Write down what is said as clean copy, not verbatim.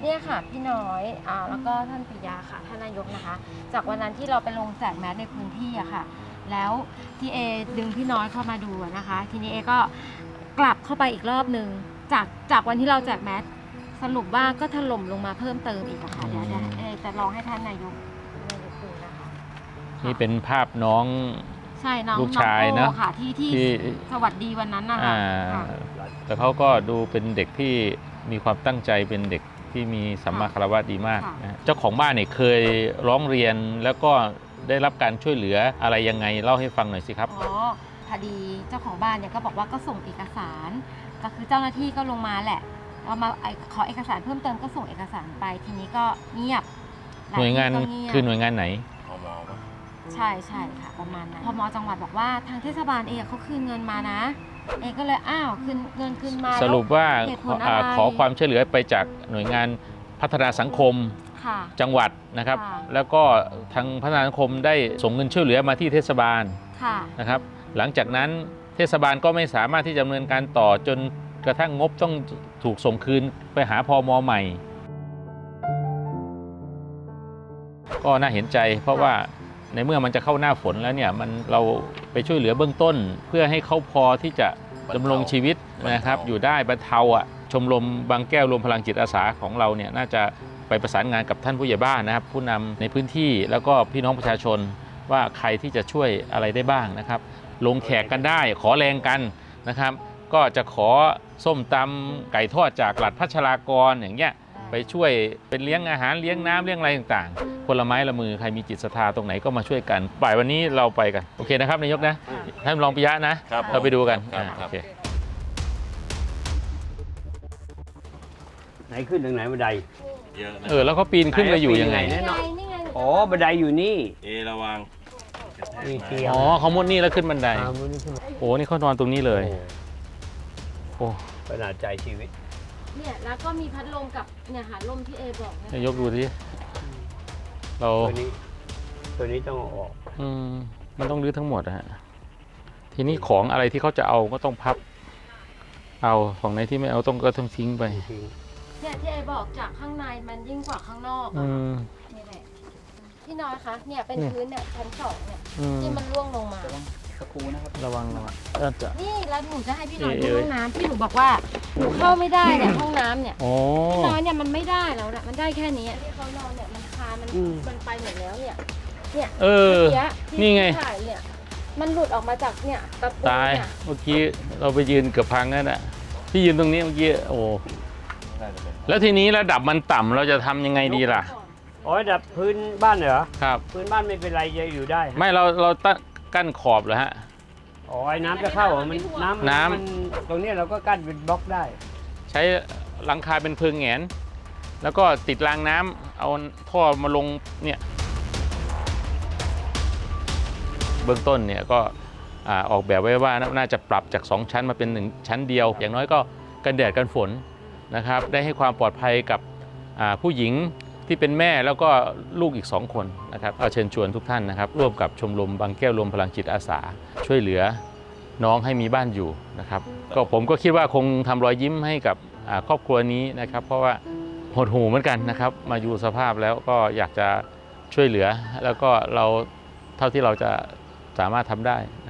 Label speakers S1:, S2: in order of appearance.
S1: เนี่ยค่ะพี่น้อยแล้วก็ท่านปิยาค่ะท่านนายกนะคะจากวันนั้นที่เราไปลงแจกแมสในพื้นที่อะค่ะแล้วที่เอดึงพี่น้อยเข้ามาดูนะคะทีนี้เอก็กลับเข้าไปอีกรอบนึงจากวันที่เราแจกแมสสรุปว่าก็ถล่มลงมาเพิ่มเติมอีกอะค่ะเดี๋ยวเอจะลองให้ท่านนายกดูนะคะ
S2: นี่เป็นภาพน้อง
S1: ใช่น้อง
S2: ลูกชายนะ
S1: ค่ะที่สวัสดีวันนั้นนะคะ
S2: แต่เขาก็ดูเป็นเด็กที่มีความตั้งใจเป็นเด็กที่มีสัมมาคารวะดีมากนะเจ้าของบ้านเนี่ยเคยร้องเรียนแล้วก็ได้รับการช่วยเหลืออะไรยังไงเล่าให้ฟังหน่อยสิครับ
S1: พอดีเจ้าของบ้านเนี่ยก็บอกว่าก็ส่งเอกสารก็คือเจ้าหน้าที่ก็ลงมาแหละเอามาขอเอกสารเพิ่มเติมก็ส่งเอกสารไปทีนี้ก็เงียบ
S2: หน่วยงานคือหน่วยงานไหน
S1: ใช่ค่ะประมาณนั้นพม.จังหวัดบอกว่าทางเทศบาลเองเขาคืนเงินมานะเองก็เลยคืนเงินคืนมา
S2: สรุปว่าขอความช่วยเหลือไปจากหน่วยงานพัฒนาสังคมจังหวัดนะครับแล้วก็ทางพัฒนาสังคมได้ส่งเงินช่วยเหลือมาที่เทศบาลนะครับหลังจากนั้นเทศบาลก็ไม่สามารถที่จะดำเนินการต่อจนกระทั่งงบต้องถูกส่งคืนไปหาพม.ใหม่ก็น่าเห็นใจเพราะว่าในเมื่อมันจะเข้าหน้าฝนแล้วเนี่ยเราไปช่วยเหลือเบื้องต้นเพื่อให้เขาพอที่จะดำรงชีวิตนะครับอยู่ได้บรรเทาชมรมบางแก้วรวมพลังจิตอาสาของเราเนี่ยน่าจะไปประสานงานกับท่านผู้ใหญ่บ้านนะครับผู้นำในพื้นที่แล้วก็พี่น้องประชาชนว่าใครที่จะช่วยอะไรได้บ้างนะครับลงแขกกันได้ขอแรงกันนะครับก็จะขอส้มตำไก่ทอดจากหลัดพัชรากรอย่างเงี้ยไปช่วยเป็นเลี้ยงอาหารเลี้ยงน้ำเลี้ยงอะไรต่างๆคนละไม้ละมือใครมีจิตศรัทธาตรงไหนก็มาช่วยกันบ่ายวันนี้เราไปกันโอเคนะครับนายกนะท่านรองปิยะนะเราไปดูกันโอเค
S3: ไหนขึ้นทางไหนบันได
S2: แล้วเขาปีนขึ้นไปอยู่ยังไง
S3: อ๋อบันไดอยู่นี่
S4: ระวัง
S2: อ๋อเขามุดนี่แล้วขึ้นบันไดโอ้นี่เขานอนตรงนี้เลยโอ้
S3: ขนาดใจชีวิต
S1: เนี่ยแล้วก็มีพัดลมกับเนี่ยหาลมที่เอบอก
S2: นายกดูดิเรา
S3: ตัวนี้ต้องออก
S2: มันต้องรื้อทั้งหมดฮะทีนี้ของอะไรที่เขาจะเอาก็ต้องพับเอาของไหนที่ไม่เอาก็ต้องทิ้งไป
S1: เนี่ยที่เอบอกจากข้างในมันยิ่งกว่าข้างนอกนี่แหละพี่น้อยคะเนี่ยเป็นพื้นเนี่ยชั้น2เนี่ยที่มันร่วงลงมา
S2: ครูนะครับระวัง
S1: นี่แล้วหนูจะให้พี่น้อยดูห้องน้ำที่หนูบอกว่าหนูเข้าไม่ได้เนี่ยห้องน้ำเนี่ยพี่น้อยเนี่ยมันไม่ได้แล้วนะมันได้แค่นี้ที่เขานอนเนี่ยมันคามันไปหมดแล้วเนี่ย
S2: นี่ไง
S1: เนี่ยมันหลุดออกมาจากเนี่ยตะปู
S2: ตายเมื่อกี้เราไปยืนเกือบพังนั่นแหละพี่ยืนตรงนี้เมื่อกี้โอ้แล้วทีนี้ระดับมันต่ำเราจะทำยังไงดีล่ะ
S3: ระดับพื้นบ้านเหรอ
S2: ครับ
S3: พื้นบ้านไม่เป็นไรจะอยู่ได้
S2: ไม่เรากั้นขอบเหรอฮะ
S3: ไอ้น้ำจะเข้ามันน้ำตรงนี้เราก็กั้นเป็นบล็อกได้
S2: ใช้หลังคาเป็นเพิงแหงนแล้วก็ติดรางน้ำเอาท่อมาลงเนี่ยเบื้องต้นเนี่ยก็ออกแบบไว้ว่าน่าจะปรับจาก2ชั้นมาเป็น1ชั้นเดียวอย่างน้อยก็กันแดดกันฝนนะครับได้ให้ความปลอดภัยกับผู้หญิงที่เป็นแม่แล้วก็ลูกอีก2คนนะครับเชิญชวนทุกท่านนะครับร่วมกับชมรมบางแก้วรวมพลังจิตอาสาช่วยเหลือน้องให้มีบ้านอยู่นะครับก็ผมก็คิดว่าคงทำรอยยิ้มให้กับครอบครัวนี้นะครับเพราะว่าหดหู่เหมือนกันนะครับมาอยู่สภาพแล้วก็อยากจะช่วยเหลือแล้วก็เราเท่าที่เราจะสามารถทำได้